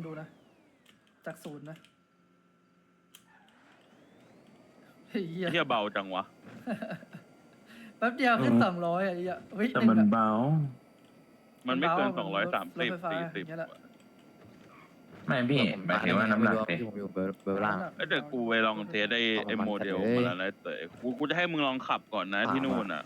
ดูนะจากศูนย์นะเฮียเฮียเบาจังวะแป๊บเดียวขึ้น200อ่ะเฮียเฮ้ยแต่มันเบามันไม่เกินรถ 230 ไฟฟ้า 40 อย่างเงี้ยแหละไม่พี่หมายถึงว่าน้ำหนักไม่เด็รู้ผมอยู่เบอร์ล่างเอ้ยแต่กูไปลองเทสไอ้โมเดลมาแล้วนะเต๋อกูจะให้มึงลองขับก่อนนะที่นู่นอ่ะ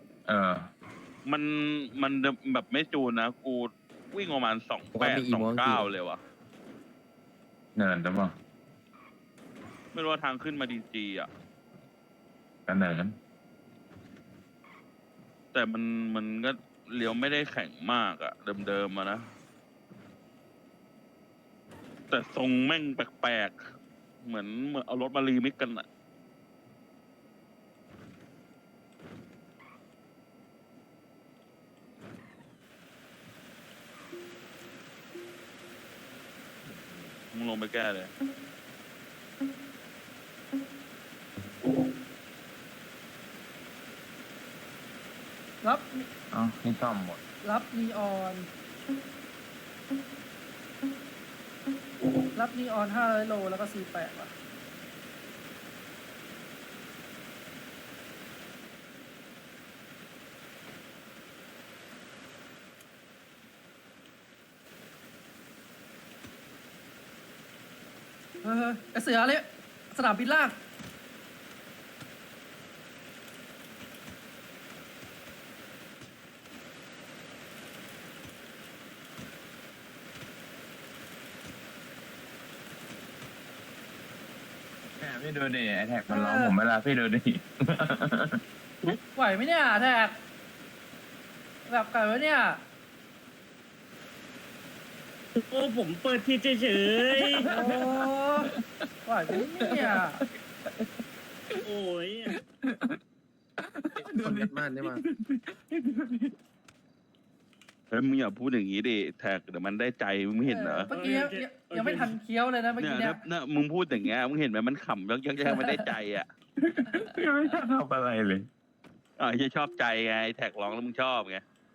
มันแบบไม่จูนนะ กูวิ่งประมาณ28-29เลยว่ะเนินจะบอกไม่รู้ว่าทางขึ้นมาดีจีอ่ะกันเนินแต่มันก็เลี้ยวไม่ได้แข็งมากอ่ะ เดิมๆมานะ แต่ทรงแม่งแปลกๆ เหมือนเอารถมารีมิกกันอ่ะ มึงลงไปแก้เลยรับอ๋อนี่ซ่อมหมดรับนีออน500 โลแล้วก็48ว่ะไอเสือเลยสนามบินล่างพี่ดูดิไอแท็กมันร้องผมเวลาพี่ดูดิไหวไหมเนี่ยแท็กแบบไก่วะเนี่ยโอ้ผมเปิดทีเฉยโอ้ไหวไหมเนี่ยๆโอ้ยคนยัดม่านได้มาเฮ้ยมึงอย่าพูดอย่างนี้ดิแท็กเดี๋ยวมันได้ใจมึงไม่เห็นเหรอเมื่อกี้ยังไม่ทันเคี้ยวเลยนะเมื่อเนี่ยกี้เนี่ยเนี่ยมึงพูดอย่างเงี้ยมึงเห็นไหมมันขำยังไม่ได้ใจอ่ะยังไม่ได้ทำอะไรเลยจะชอบใจไงแท็กร้องแล้วมึงชอบไง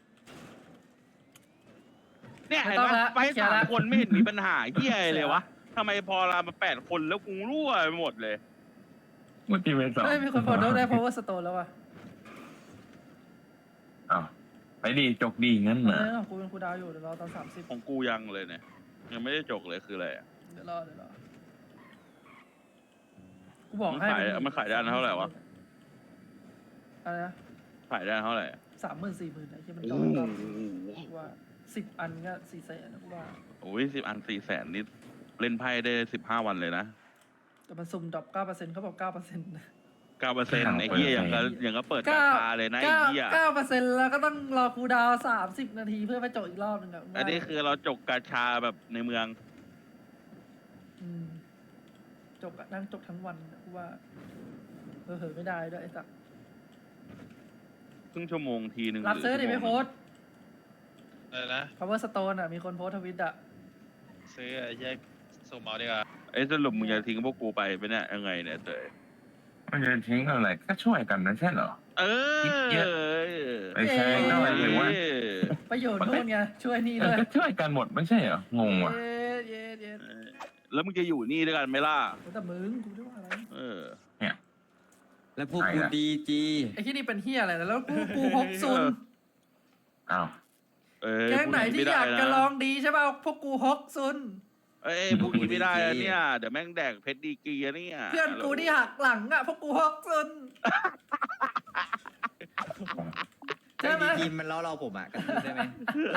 เนี่ยเห็นไหมไป3 คนไม่เห็นมีปัญหาเหี้ยเลยวะทำไมพอเรามา8 คนแล้วกูรั่วไปหมดเลยมุติเวสองเฮ้ยมีคนพอได้ power stone แล้วว่ะอ้าวไปดีจกดีงั้นเอนะอของกูเป็นครูดาวอยู่เดี๋ยวรอตอน30 ของกูยังเลยเนี่ยยังไม่ได้จกเลยคืออะไรอะเดี๋ยวรอกูบอกให้มันขายได้เท่าไหร่วะอะไรนะขายได้เท่าไหร่ 30,000-40,000นะที่มันจโอ้องโหก็กูว่า10 อันก็400,000นะกูว่าโอ้ย10 อัน400,000นิดเล่นไพ่ได้15 วันเลยนะแต่มันสุ่มดรอป 9% เขาบอก 9%นะ 9%ไอ้เหี้ยอย่างก็เปิดราคาเลยนะไอ้เหี้ย 9%แล้วก็ต้องรอครูดาว30 นาทีเพื่อไปจบอีกรอบหนึงอ่ะอันนี้คือเราจกกาชาแบบในเมืองมจบอะนั่งจบทั้งวันกูว่าเผลอๆไม่ได้ด้วยไอ้สักครึ่งชั่วโมงทีนึงรับซื้อดิไม่โพสต์อะไรนะ power stone อ่ะมีคนโพสต์ทวิตอ่ะซื้อแยกส่งเอาดีกว่าไอ้สรุปมึงจะทิ้งพวกกูไปเป็นเนี่ยยังไงเนี่ยเตยมันจะทิ้งอะไรก็ช่วยกันนะใช่เหรอเออไม่ใช่ก็หมายถึงว่าประโยชน์นู่นไงช่วยนี่มันด้วยก็ช่วยกันหมดไม่ใช่เหรองงว่ะเย็ดแล้วมึงจะอยู่นี่ด้วยกันไหมล่ะแต่มึงกูไม่ว่าอะไรเออแล้วพวกกูดีจีไอ้ที่นี่เป็นเฮียอะไรแล้วกูพกซุนอ้าวแก๊งไหนที่อยากจะลองดีใช่ป่ะพวกกูฮกซุนเอ้ยพวกนี้ไม่ได้แล้วเนี่ยเดี๋ยวแม่งแดกเพชรดีกรีอะเนี่ยเพื่อนกูที่หักหลังอ่ะพวกกูฮกซุนใช่ไหมดีจีมันล้อเราผมอ่ะกันได้ไหม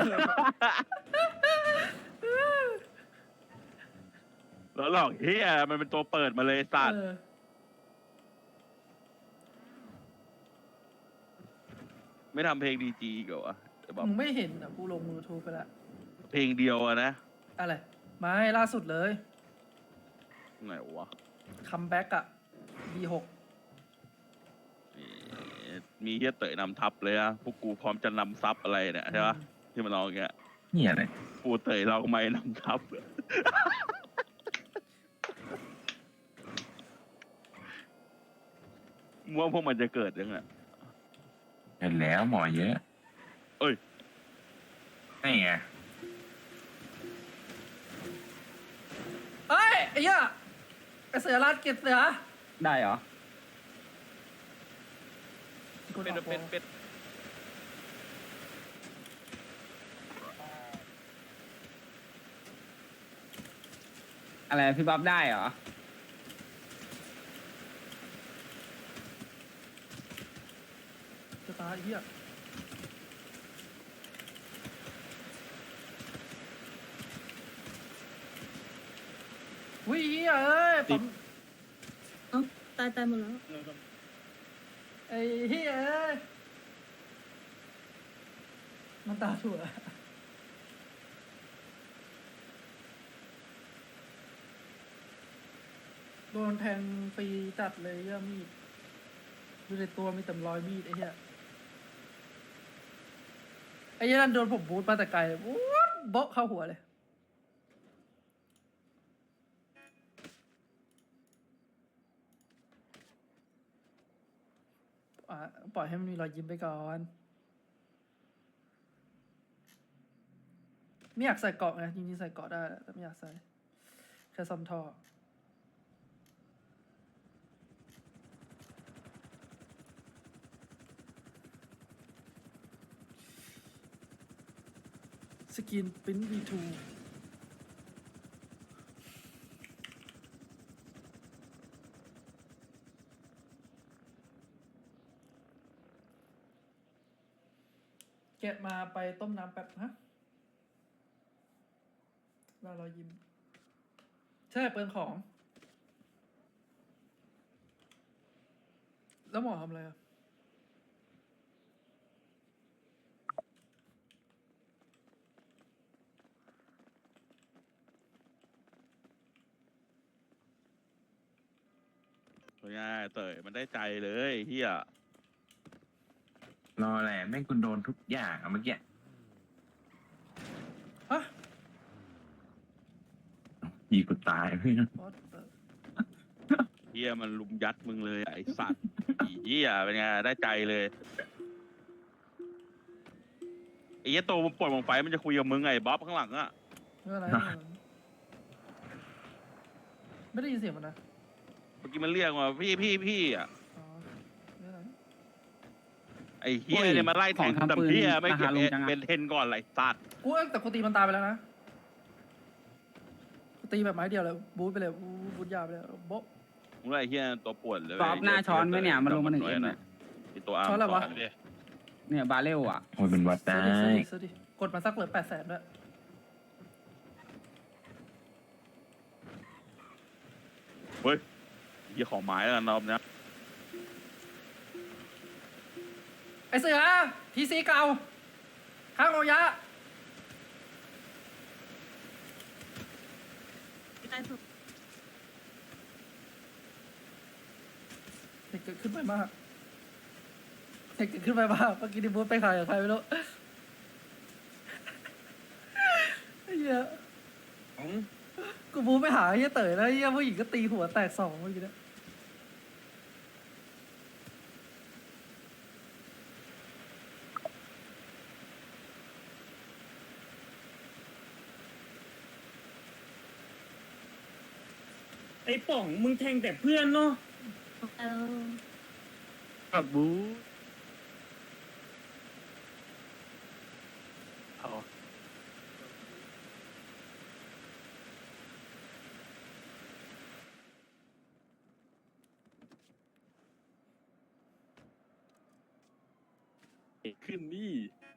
แล้วหลอกเฮียมันเป็นตัวเปิดมาเลยสัตว์ไม่ทำเพลงดีจีก่อนวะจะบอกมึงไม่เห็นอ่ะกูลง YouTube ไปละเพลงเดียวอะนะอะไรไม่ล่าสุดเลยไหนวะคัมแบ็กอ่ะ D6 มีเฮียเต๋อนำทัพเลยอะพวกกูพร้อมจะนำซับอะไรเนี่ยใช่ปะที่มันร้องอย่างเงี้ยนี่อะไรปูเต๋เราไม่นำทัพว่าพวกมันจะเกิดยังไงเห็นแล้วหมอเยอะเอ้ยนี่ไงอ้เหี้ยไอ้เสือลาดเก็บเสือได้เหรอเป็นอะไรพี่บ๊อบได้เหรอจะตายไอ้เหี้ยวิ่งเหี้ยเอ้ยปั๊มเอ้าตายหมดแล้วไอ้เหี้ยเอ้ยมันตาถั่วโดนแทงฟรีจัดเลยเหี้ยมีดดูในตัวมีแต่รอยมีดไอ้เหี้ยไอ้เหี้ยนั่นโดนผมบูทมาแต่ไกลวูดโบ๊ะเข้าหัวเลยปล่อยให้มันมีรอยยิ้มไปก่อน ไม่อยากใส่เกาะไงจริงๆใส่เกาะได้แหละแต่ไม่อยากใส่แค่ซ่อมท่อสกินปิ้น V2 แกะมาไปต้มน้ำแป๊บฮะเรายิ้มใช่เปลืองของ แล้วหมอทำอะไรอ่ะเป็นไงเต๋ยมันได้ใจเลยเฮียรอแหละแม่งคุณโดนทุกอย่างอะเมื่อกี้ฮะยีกูตายเพื่อน What the เฮียมันลุมยัดมึงเลยไอ้สัตว์ไอ้เฮียเป็นไงได้ใจเลยไอ้เฮียโตมันปวดวงไฟมันจะคุยกับมึงไงบ๊อบข้างหลังอะไม่เป็นไรไม่ได้ยินเสียงมันนะเมื่อกี้มันเรียกว่าพี่อะอ๋อไม่เป็นไรไอ้เฮียเนี่ยมาไล่แทงดำเฮียไม่เก็บเป็นเทนก่อนไรสัตว์กูแต่กูตีมันตายไปแล้วนะกูตีแบบไม้เดียวเลยบูทไปเลยบูทยาวไปเลยโบ๊ะมึงไล่เฮียตัวปวดเลยบ๊อบหน้าช้อนไหมเนี่ยมันลงมา1 M เนี่ยไอ้ตัวอาร์มช้อนอะไรวะเนี่ยบาเรลอ่ะโอ้ยเป็นวัดได้ซื้อดิกดมาสักเหลือ800,000ด้วยเฮ้ยเฮียของไม้แล้วกันรอบเนี้ยไอเสือทีซีเก่าข้างโอยะตายผมเด็กเกิดขึ้นไปมากเด็กเกิดขึ้นไปมากเมื่อกี้ดิบูธไปขายกับใครไม่รู้ไอ้เหี้ยกูบูธไปหาไอ้เหี้ยเต๋อแล้วไอ้เหี้ยผู้หญิงก็ตีหัวแตก2เมื่อกี้เนี่ยไอ้ป่องมึงแทงแต่เพื่อนเนาะแล้วกับบูเอา ขึ้นนี่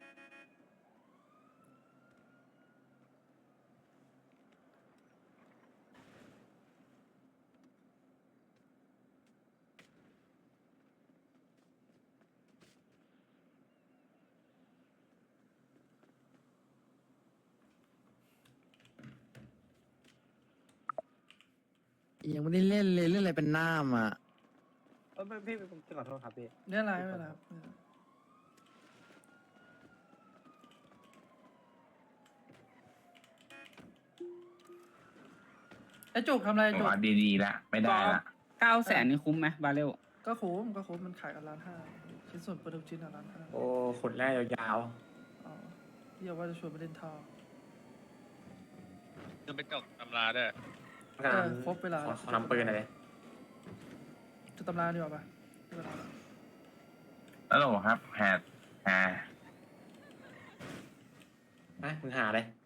ยังไม่ได้เล่นเลยเล่นอะไรเป็นหน้ามอ่ะพี่ผมขอโทษครับพี่เรื่องอะไรไม่เป็นไรครับไอจุกทำอะไรจุกวัดดีๆละไม่ได้ละ 900,000นี่คุ้มไหมบาเรลก็คุ้มมันขายกัน1,500,000ชิ้นส่วนโปรดักชิ้น1,500,000 โอ้ขนแรกยาวอ๋อพี่บอกว่าจะชวนไปเล่นท่อจะไปกดตำราด้วยๆครบเวลาขอนำปืนหน่อยเลยจะตำราดีกว่าปะเวลาละแล้วโหลครับแฮดนะมึงหาเลย